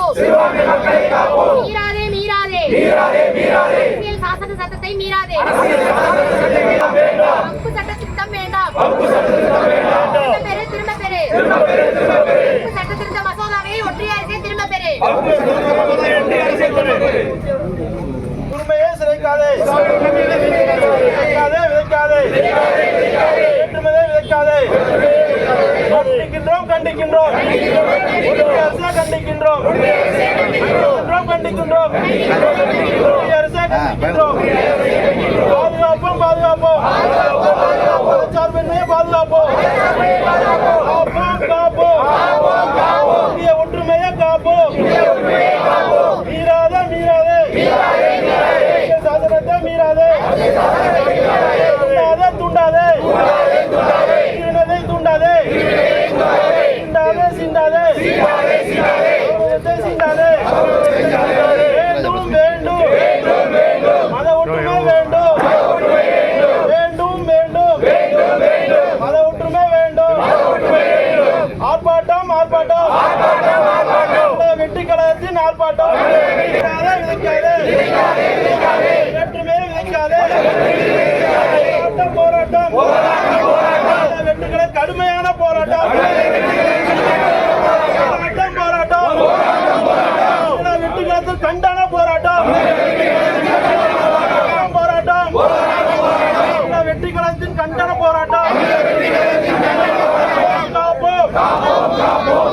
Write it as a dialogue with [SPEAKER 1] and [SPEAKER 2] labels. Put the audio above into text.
[SPEAKER 1] மீறாதே மீறாதே அரசியல் சாசன சட்டத்தை மீறாதே. வகுப்பு சட்ட திருத்தம் வேண்டாம். திரும்ப பெறு. வகுப்பு சட்ட திருத்த மசோதாவை ஒன்றிய அரசே திரும்ப பெறு.
[SPEAKER 2] உண்மையை சிதைக்காதே, விதைக்காதே, வேற்றுமையை விதைக்காதே. கண்டிக்கின்றோம் கண்டிக்கின்றோம் அரசை கண்டிக்கின்றோம் கண்டிக்கின்றோம் அரசை கண்டிக்கின்றோம். பாதுகாப்போம் பாதுகாப்போம் சார்பின்மையை பாதுகாப்போம் காப்போம் இந்திய ஒற்றுமையை காப்போம். மீறாதே மீறாதே சாசனத்தை மீறாதே தூண்டாதே தூண்டாதே சிந்தாதே சிந்தாதே வேண்டும் வேண்டும் மத ஒற்றுமை வேண்டும் வேண்டும் மத ஒற்றுமை வேண்டும். ஆர்ப்பாட்டம் ஆர்ப்பாட்டம் வெற்றி கழகத்தின் ஆர்ப்பாட்டம். விதைக்காதே வேற்றுமையை விதைக்காதே. போராட்டம் வெற்றிகளை கடுமையான போராட்டம் வெற்றிகளத்தில் கண்டான போராட்டம் வெற்றிகளத்தின் கண்டன போராட்டம். காப்போம்